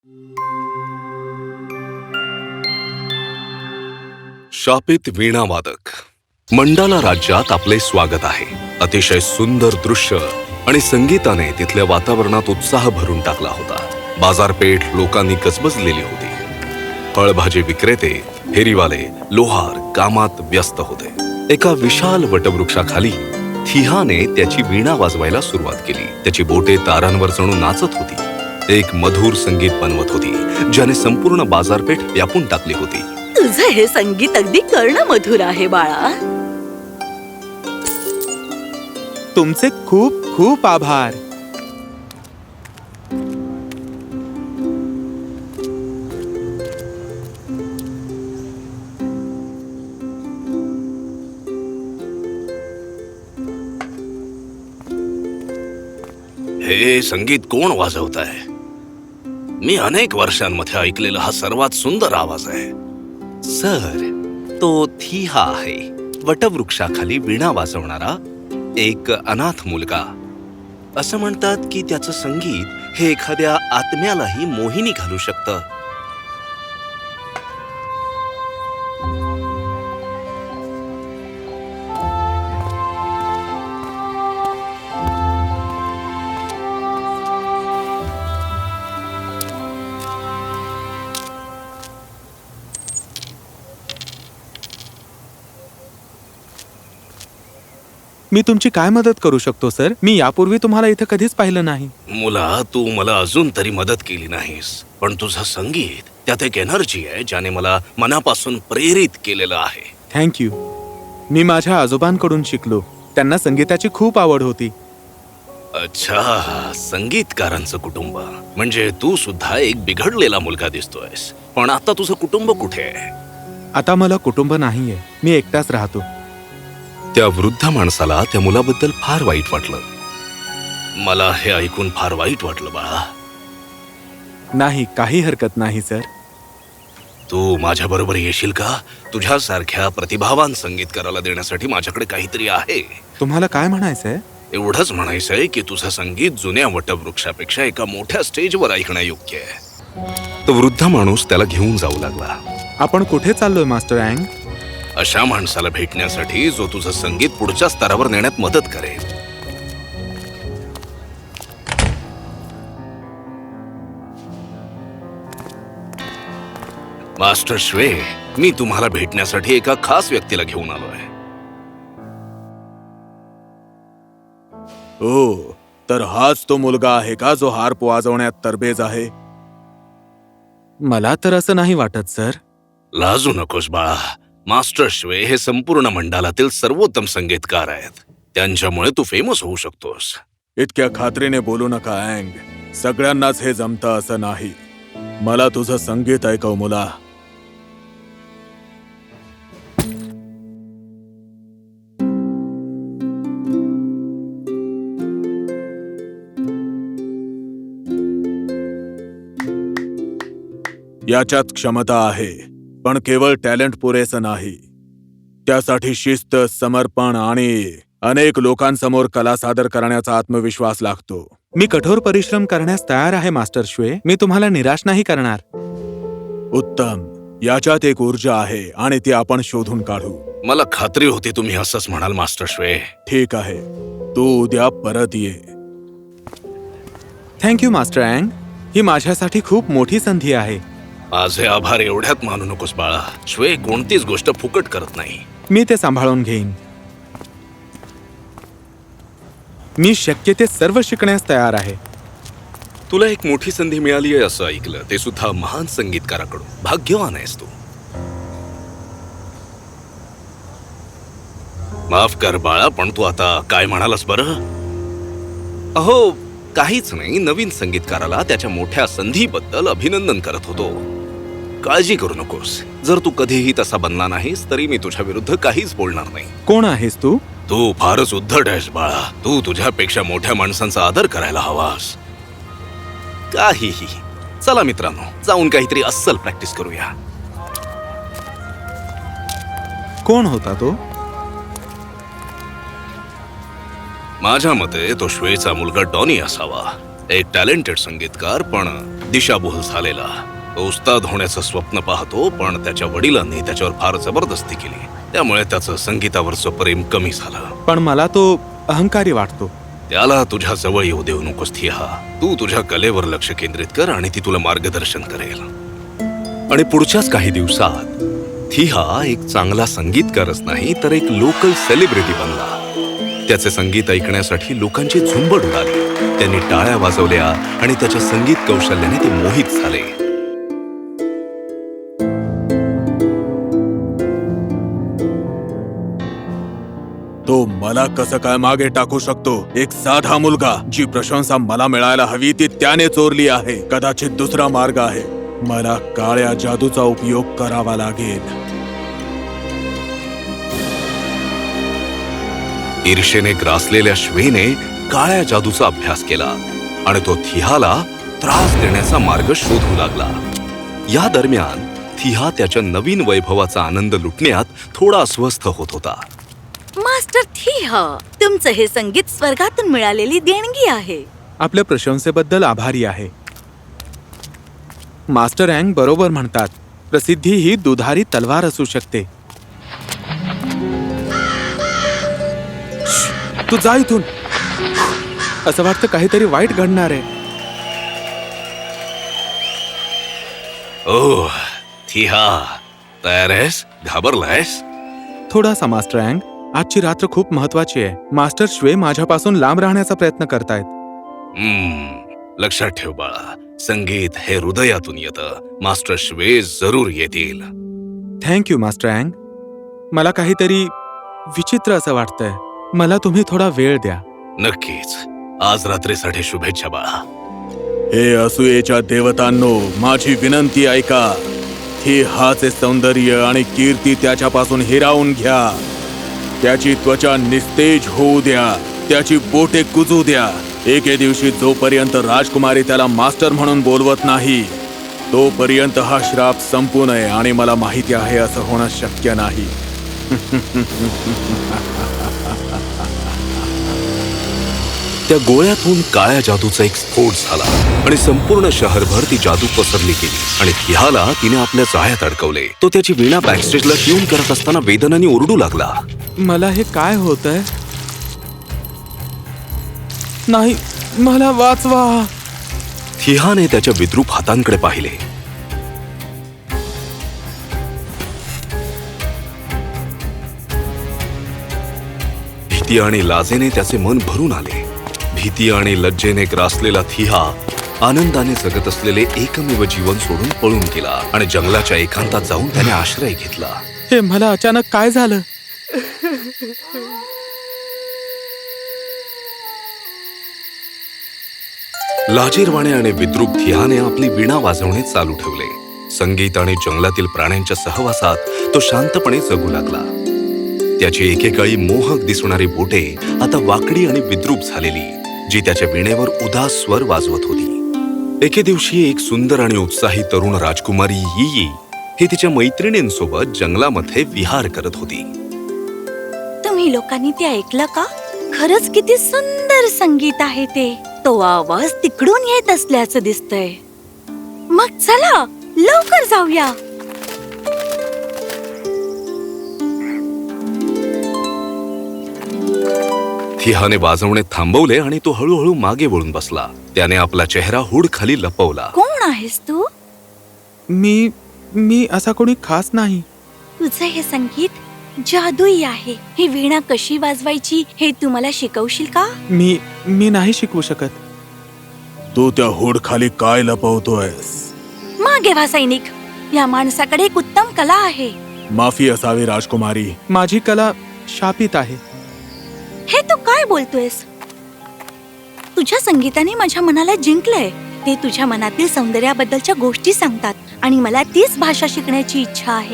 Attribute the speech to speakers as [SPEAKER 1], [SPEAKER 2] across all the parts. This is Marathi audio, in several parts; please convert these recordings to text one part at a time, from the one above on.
[SPEAKER 1] शापित वीणावादक मंडाला राज्यात आपले स्वागत आहे. अतिशय सुंदर दृश्य आणि संगीताने तिथल्या वातावरणात उत्साह भरून टाकला होता. बाजारपेठ लोकांनी गजबजलेली होती. फळभाजी विक्रेते, फेरीवाले, लोहार कामात व्यस्त होते. एका विशाल वटवृक्षाखाली थिहाने त्याची वीणा वाजवायला सुरुवात केली. त्याची बोटे तारांवर जणू नाचत होती. एक मधुर संगीत बनवत होती ज्याने संपूर्ण बाजारपेठ व्यापून टाकली होती.
[SPEAKER 2] तुझं हे संगीत अगदी कर्णमधुर आहे बाळा.
[SPEAKER 3] तुमचे खूप खूप आभार.
[SPEAKER 1] हे संगीत कोण वाजवत आहे? मी अनेक वर्षांमध्ये ऐकलेला हा सर्वात सुंदर आवाज आहे. सर, तो थिहा आहे, वटवृक्षाखाली वीणा वाजवणारा एक अनाथ मुलगा. असं म्हणतात की त्याचं संगीत हे एखाद्या आत्म्यालाही मोहिनी घालू शकतं.
[SPEAKER 3] मी तुमची काय मदत करू शकतो सर? मी यापूर्वी तुम्हाला इथं कधीच पाहिलं नाही.
[SPEAKER 1] मुला, तू मला अजून तरी मदत केली नाहीस, पण तुझं संगीत त्यात एक एनर्जी आहे ज्याने मला मनापासून प्रेरित केलेलं आहे.
[SPEAKER 3] Thank you. मी माझ्या आजोबांकडून शिकलो. त्यांना संगीताची खूप आवड होती.
[SPEAKER 1] अच्छा, संगीतकारांचं कुटुंब. म्हणजे तू सुद्धा एक बिघडलेला मुलगा दिसतोयस. पण आता तुझं कुटुंब कुठे आहे?
[SPEAKER 3] आता मला कुटुंब नाहीये. मी एकटाच राहतो.
[SPEAKER 1] त्या वृद्ध माणसाला त्या मुलाबद्दल फार वाईट वाटलं. मला हे ऐकून फार वाईट वाटलं बाळा.
[SPEAKER 3] नाही, काही हरकत नाही सर.
[SPEAKER 1] तू माझ्या बरोबर येशील का? तुझ्यासारख्या प्रतिभावान संगीतकाराला देण्यासाठी माझ्याकडे काहीतरी आहे.
[SPEAKER 3] तुम्हाला काय म्हणायचंय?
[SPEAKER 1] एवढंच म्हणायचंय की तुझं संगीत जुन्या वटवृक्षापेक्षा एका मोठ्या स्टेजवर ऐकण्यायोग्य आहे. तो वृद्ध माणूस त्याला घेऊन जाऊ लागला.
[SPEAKER 3] आपण कुठे चाललोय मास्टर अँग?
[SPEAKER 1] अशा माणसाला भेटण्यासाठी जो तुझं संगीत पुढच्या स्तरावर नेण्यात मदत करेल. मास्टर श्वे, मी तुम्हाला भेटण्यासाठी एका खास व्यक्तीला घेऊन आलोय.
[SPEAKER 3] ओ, तर हाच तो मुलगा आहे का जो हार्प वाजवण्यात तरबेज आहे? मला तर असं नाही वाटत सर.
[SPEAKER 1] लाजू नकोस बाळा. मास्टर श्वे हे संपूर्ण मंडळातील सर्वोत्तम संगीतकार आहेत. त्यांच्यामुळे तू फेमस होऊ शकतोस.
[SPEAKER 3] इतक्या खात्रीने बोलू नका अँग. सगळ्यांनाच हे जमतं असं नाही. मला तुझं संगीत ऐकव मुला. याच्यात क्षमता आहे, पण केवळ टॅलेंट पुरेसं नाही. त्यासाठी शिस्त, समर्पण आणि अनेक लोकांसमोर कला सादर करण्याचा आत्मविश्वास लागतो. मी कठोर परिश्रम करण्यास तयार आहे मास्टर श्वे. मी तुम्हाला निराश नाही करणार. उत्तम. याच्यात एक ऊर्जा आहे आणि ती आपण शोधून काढू.
[SPEAKER 1] मला खात्री होती तुम्ही असंच म्हणाल मास्टर श्वे.
[SPEAKER 3] ठीक आहे, तू उद्या परत ये. Thank you master Ang. ही माझ्यासाठी खूप मोठी संधी आहे.
[SPEAKER 1] माझे आभार एवढ्यात मानू नकोस बाळा. श्वे कोणतीच गोष्ट फुकट करत नाही.
[SPEAKER 3] मी ते सांभाळून घेईन. मी शक्य ते सर्व शिकण्यास तयार आहे.
[SPEAKER 1] तुला एक मोठी संधी मिळाली आहे असं ऐकलं, ते सुद्धा महान संगीतकाराकडून. भाग्यवान आहेस तू. माफ कर बाळा, पण तू आता काय म्हणालास बरं? अहो, काहीच नाही. नवीन संगीतकाराला त्याच्या मोठ्या संधीबद्दल अभिनंदन करत होतो. काळजी करू नकोस. जर तू कधीही तसा बनला नाहीस तरी मी तुझ्या विरुद्ध काहीच बोलणार नाही.
[SPEAKER 3] कोण आहेस तू?
[SPEAKER 1] तू फारच उद्धट आहेस बाळा. तू तुझ्यापेक्षा मोठ्या माणसांचा आदर करायला हवास. काहीही. चला मित्रांनो, जाऊन काहीतरी अस्सल प्रॅक्टिस करूया.
[SPEAKER 3] कोण होता तो?
[SPEAKER 1] माझ्या मते तो श्वेचा मुलगा डॉनी असावा. एक टॅलेंटेड संगीतकार, पण दिशाभूल झालेला. तो उस्ताद होण्याचं स्वप्न पाहतो, पण त्याच्या वडिलांनी त्याच्यावर फार जबरदस्ती केली. त्यामुळे त्याचं संगीतावरचं प्रेम कमी झालं.
[SPEAKER 3] पण मला तो अहंकारी वाटतो.
[SPEAKER 1] त्याला तुझ्या जवळ येऊ देऊ नकोस थिहा. तू तुझ्या कलेवर लक्ष केंद्रित कर आणि ती तुला मार्गदर्शन करेल. आणि पुढच्याच काही दिवसात थिहा एक चांगला संगीतकारच नाही तर एक लोकल सेलिब्रिटी बनला. त्याचे संगीत ऐकण्यासाठी लोकांची झुंबड उडाली. त्यांनी टाळ्या वाजवल्या आणि त्याच्या संगीत कौशल्याने ते मोहित झाले.
[SPEAKER 3] तो मला कसं काय मागे टाकू शकतो? एक साधा मुलगा. जी प्रशंसा मला मिळायला हवी ती त्याने चोरली आहे. कदाचित दुसरा मार्ग आहे. मला काळ्या जादूचा उपयोग करावा लागेल.
[SPEAKER 1] ईर्षेने ग्रासलेल्या श्वेने काळ्या जादूचा अभ्यास केला आणि तो थिहाला त्रास देण्याचा मार्ग शोधू लागला. या दरम्यान थिहा त्याच्या नवीन वैभवाचा आनंद लुटण्यात थोडा अस्वस्थ होत होता.
[SPEAKER 2] मास्टर थिहा, तुमचं हे संगीत स्वर्गातून मिळालेली देणगी आहे.
[SPEAKER 3] आपल्या प्रशंसेबद्दल आभारी आहे. मास्टर अँग बरोबर म्हणतात, प्रसिद्धी ही दुधारी तलवार असू शकते. तू जा इथून. असं वाटतं काहीतरी वाईट घडणार आहे.
[SPEAKER 1] ओह थिहा, तयार आहेस? घाबरलायस?
[SPEAKER 3] थोडासा मास्टर अँग. आजची रात्र खूप महत्वाची आहे. मास्टर श्वे माझ्यापासून लांब राहण्याचा प्रयत्न करतायत.
[SPEAKER 1] लक्षात ठेव बाळा, संगीत हे हृदयातून येतं. मास्टर श्वे जरूर येतील.
[SPEAKER 3] Thank you master Ang. मला काहीतरी विचित्र असं वाटतंय. मला तुम्ही थोडा वेळ द्या.
[SPEAKER 1] नक्कीच. आज रात्रीसाठी शुभेच्छा बाळा.
[SPEAKER 3] हे असूयेच्या देवतांनो, माझी विनंती ऐका. हे हाचे सौंदर्य आणि कीर्ती त्याच्यापासून हिरावून घ्या. त्याची त्वचा निस्तेज होऊ द्या. त्याची बोटे कुजू द्या. एके दिवशी जोपर्यंत राजकुमारी त्याला मास्टर म्हणून बोलवत नाही तोपर्यंत हा श्राप संपू नये. आणि मला माहिती आहे असं होणं शक्य नाही.
[SPEAKER 1] त्या गोळ्यातून काळ्या जादूचा एक स्फोट झाला आणि संपूर्ण शहरभर ती जादू पसरली गेली आणि थिहाला तिने आपल्या जाळ्यात अडकवले. तो त्याची वीणा बॅकस्टेजला ट्यून करत असताना वेदनाने ओरडू लागला.
[SPEAKER 3] मला हे काय होतंय? नाही, मला वाचवा.
[SPEAKER 1] थिहाने त्याच्या विद्रूप हातांकडे पाहिले. भीती आणि लाजेने त्याचे मन भरून आले. भीती आणि लज्जेने ग्रासलेला थिहा आनंदाने जगत असलेले एकमेव जीवन सोडून पळून गेला आणि जंगलाच्या एकांतात जाऊन त्याने आश्रय घेतला.
[SPEAKER 3] हे मला अचानक काय झालं?
[SPEAKER 1] लाजीरवाणे आणि विद्रूप थिहाने आपली वीणा वाजवणे चालू ठेवले. संगीत आणि जंगलातील प्राण्यांच्या सहवासात तो शांतपणे जगू लागला. त्याची एकेकाळी मोहक दिसणारी बोटे आता वाकडी आणि विद्रूप झालेली, जी त्याच्या वीणेवर उदास स्वर वाजवत होती. एके दिवशी एक सुंदर आणि उत्साही तरुण राजकुमारी यी ही तिच्या मैत्रिणींसोबत जंगलामध्ये विहार करत होती.
[SPEAKER 2] तुम्ही लोकांनी ते ऐकलं का? खरंच किती सुंदर संगीत आहे ते. तो आवाज तिकडून येत असल्याचं दिसतंय. मग चला लवकर जाऊया.
[SPEAKER 1] थिहाने वाजवणे थांबवले आणि तो हळूहळू मागे वळून बसला. त्याने आपला चेहरा हुड खाली लपवला.
[SPEAKER 2] कोण आहेस तू?
[SPEAKER 3] मी असा कोणी खास नाही.
[SPEAKER 2] तुझं हे संगीत जादुई आहे. ही वीणा कशी वाजवायची हे तू मला शिकवशील का?
[SPEAKER 3] मी नाही शिकवू शकत. तू त्या हुड खाली काय लपवतोयस?
[SPEAKER 2] मागे व्हा सैनिक. या माणसाकडे एक उत्तम कला आहे.
[SPEAKER 3] माफी असावी राजकुमारी. माझी कला शापित आहे.
[SPEAKER 2] हे तू काय बोलतोयस? तुझ्या संगीताने माझ्या मनाला जिंकलंय. ते तुझ्या मनातील सौंदर्याबद्दलच्या गोष्टी सांगतात आणि मला तीच भाषा शिकण्याची इच्छा आहे.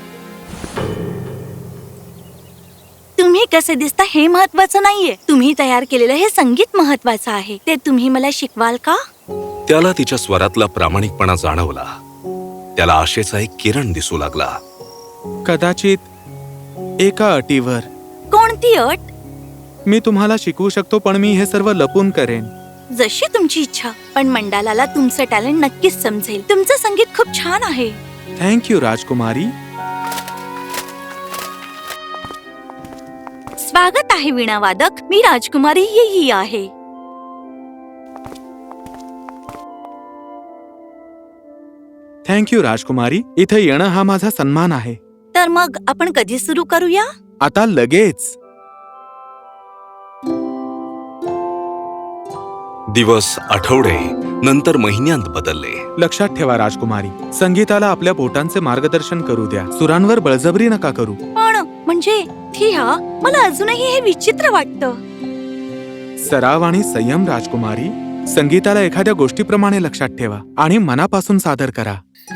[SPEAKER 2] तुम्ही कसे दिसता हे महत्वाचं नाहीये. तुम्ही तयार केलेलं हे संगीत महत्वाचं आहे. ते तुम्ही मला शिकवाल का?
[SPEAKER 1] त्याला तिच्या स्वरातला प्रामाणिकपणा जाणवला. त्याला आशेचा एक किरण दिसू लागला.
[SPEAKER 3] कदाचित एका अटीवर.
[SPEAKER 2] कोणती अट?
[SPEAKER 3] मी तुम्हाला शिकवू शकतो, पण मी हे सर्व लपून करेन.
[SPEAKER 2] जशी तुमची इच्छा, पण मंडालाला तुमचं टॅलेंट नक्कीच समजेल. तुमचं संगीत खूप छान आहे.
[SPEAKER 3] थँक यू राजकुमारी.
[SPEAKER 2] स्वागत आहे वीणावादक. मी राजकुमारी ही आहे.
[SPEAKER 3] थँक यू राजकुमारी. इथे येणं हा माझा सन्मान आहे.
[SPEAKER 2] तर मग आपण कधी सुरू करूया?
[SPEAKER 3] आता लगेच.
[SPEAKER 1] दिवस, आठवडे, नंतर महिन्यांत बदलले.
[SPEAKER 3] लक्षात ठेवा राजकुमारी, संगीताला आपल्या बोटांचे मार्गदर्शन करू द्या. सुरांवर बळजबरी नका करू.
[SPEAKER 2] पण म्हणजे थिया, मला अजूनही हे विचित्र वाटतं.
[SPEAKER 3] सराव आणि संयम राजकुमारी. संगीताला एखाद्या गोष्टीप्रमाणे लक्षात ठेवा आणि मनापासून सादर करा.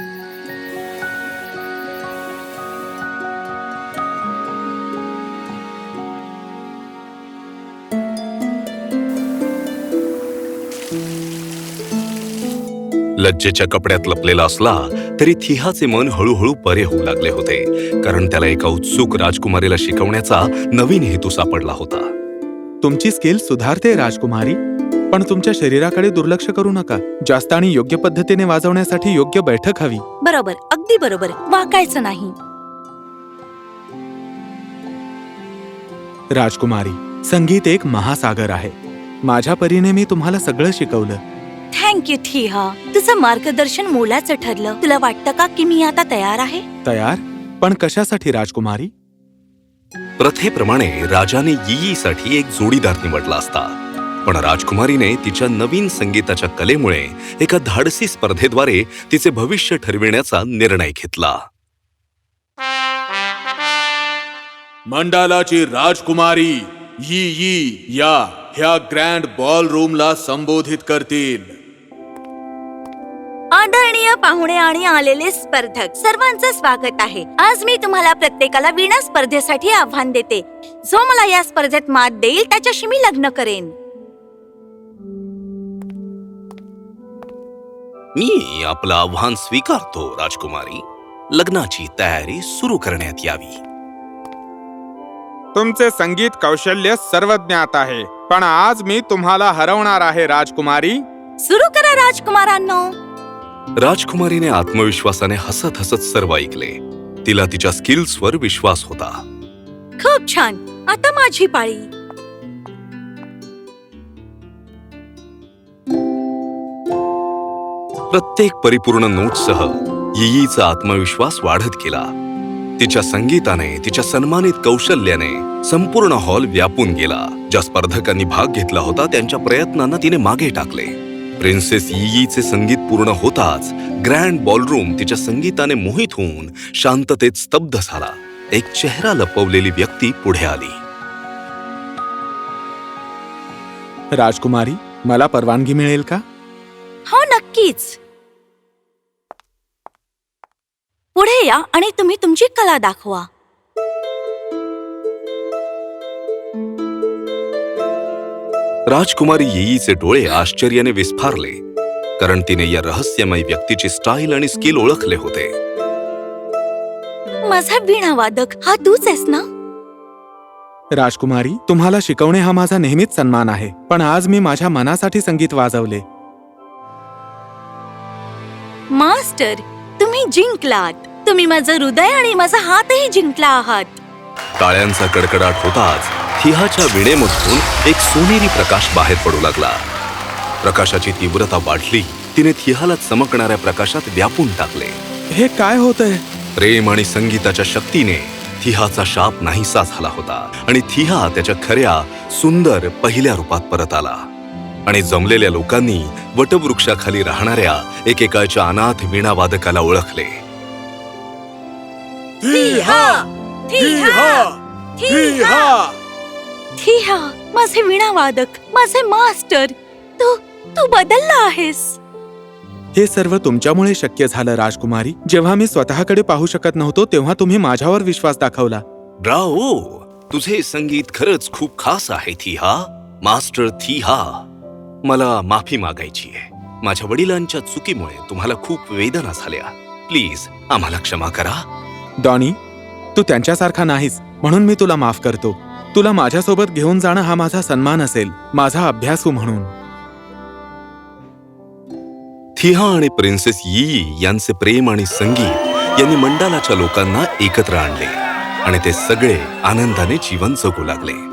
[SPEAKER 1] लज्जेच्या कपड्यात लपलेला असला तरी थिहाचे मन हळूहळू बरे होऊ लागले होते, कारण त्याला एका उत्सुक राजकुमारीला शिकवण्याचा नवीन हेतू सापडला होता.
[SPEAKER 3] तुमची स्किल सुधारते राजकुमारी, पण तुमच्या शरीराकडे दुर्लक्ष करू नका. जास्त आणि योग्य पद्धतीने वाजवण्यासाठी योग्य बैठक हवी.
[SPEAKER 2] बरोबर, अगदी बरोबर. वाकायचं नाही.
[SPEAKER 3] राजकुमारी, संगीत एक महासागर आहे. माझ्या परीने मी तुम्हाला सगळं शिकवलं.
[SPEAKER 2] Thank you Thiha. तुझं मार्गदर्शन मोलाचं ठरलं. तुला वाटतं का की मी आता तयार आहे?
[SPEAKER 3] तयार? पण कशासाठी राजकुमारी?
[SPEAKER 1] प्रथेप्रमाणे राजाने यीयीसाठी एक जोडीदार निवडला असता, पण राजकुमारीने तिच्या नवीन संगीताच्या कलेमुळे एका धाडसी स्पर्धेद्वारे तिचे भविष्य ठरविण्याचा निर्णय घेतला.
[SPEAKER 3] मंडालाची राजकुमारी यी या ह्या ग्रँड बॉल रूमला संबोधित करतील.
[SPEAKER 2] आदरणीय पाहुणे आणि आलेले स्पर्धक, सर्वांचं स्वागत आहे. आज मी तुम्हाला प्रत्येकाला वीणा स्पर्धेसाठी आव्हान देते. जो मला या स्पर्धेत मात देईल त्याच्याशी मी लग्न करेन.
[SPEAKER 1] मी आपलं आव्हान स्वीकारतो राजकुमारी. लग्नाची तयारी सुरू करण्यात यावी.
[SPEAKER 4] तुमचे संगीत कौशल्य सर्वज्ञात आहे, पण आज मी तुम्हाला हरवणार आहे राजकुमारी.
[SPEAKER 2] सुरू करा राजकुमारांनो.
[SPEAKER 1] राजकुमारीने आत्मविश्वासाने हसत हसत सर्व ऐकले. तिला तिच्या स्किल्सवर विश्वास होता.
[SPEAKER 2] खूप छान. आता माझी पाळी.
[SPEAKER 1] प्रत्येक परिपूर्ण नोटसह यीयीचा आत्मविश्वास वाढत गेला. तिच्या संगीताने, तिच्या सन्मानित कौशल्याने संपूर्ण हॉल व्यापून गेला. ज्या स्पर्धकांनी भाग घेतला होता त्यांच्या प्रयत्नांना तिने मागे टाकले. प्रिन्सेस यीयीचे संगीत पूर्ण होताच ग्रँड बॉलरूम तिच्या संगीताने मोहित होऊन शांततेत स्तब्ध झाला. एक चेहरा लपवलेली व्यक्ती पुढे आली.
[SPEAKER 3] राजकुमारी, मला परवानगी मिळेल का?
[SPEAKER 2] हो, नक्कीच. पुढे या आणि तुम्ही तुमची कला दाखवा.
[SPEAKER 1] राजकुमारी यीयीचे डोळे आश्चर्याने विस्फारले, कारण तिने या रहस्यमय व्यक्तीची स्टाईल आणि स्किल ओळखले होते.
[SPEAKER 2] माझा वीणावादक हा तूच आहेस ना?
[SPEAKER 3] राजकुमारी, तुम्हाला शिकवणे हा माझा नेहमीच सन्मान आहे, पण आज मी माझ्या मनासाठी संगीत वाजवले.
[SPEAKER 2] मास्टर, तुम्ही जिंकलात. तुम्ही माझं हृदय आणि माझा हातही जिंकला आहात.
[SPEAKER 1] टाळ्यांचा कडकडाट होताच थिहाच्या विणेमधून एक सोनेरी प्रकाश बाहेर पडू लागला. प्रकाशाची तीव्रता वाढली. तिने थिहाला चमकणाऱ्या प्रकाशात व्यापून टाकले.
[SPEAKER 3] हे काय होतंय?
[SPEAKER 1] प्रेम आणि संगीताच्या शक्तीने थिहाचा शाप नाहीसा झाला होता आणि थिहा त्याच्या खऱ्या, सुंदर पहिल्या रूपात परत आला. आणि जमलेल्या लोकांनी वटवृक्षाखाली राहणाऱ्या एकेकाच्या अनाथ वीणावादकाला ओळखले.
[SPEAKER 2] थिहा, माझे वीणावादक, माझे मास्टर, तू बदलला आहेस.
[SPEAKER 3] हे सर्व तुमच्यामुळे शक्य झालं राजकुमारी. जेव्हा मी स्वतःकडे पाहू शकत नव्हतो तेव्हा तुम्ही माझ्यावर विश्वास दाखवला.
[SPEAKER 1] ब्रावो, तुझे संगीत खरंच खूप खास आहे थिहा. मास्टर थिहा, मला माफी मागायची आहे. माझ्या वडिलांच्या चुकीमुळे तुम्हाला खूप वेदना झाल्या. प्लीज आम्हाला क्षमा करा.
[SPEAKER 3] डॉनी, तू त्यांच्यासारखा नाहीस म्हणून मी तुला माफ करतो. तुला माझ्यासोबत घेऊन जाणं हा माझा सन्मान असेल, माझा अभ्यासू म्हणून.
[SPEAKER 1] थिहा आणि प्रिन्सेस यी यांचे प्रेम आणि संगीत यांनी मंडालाच्या लोकांना एकत्र आणले आणि ते सगळे आनंदाने जीवन जगू लागले.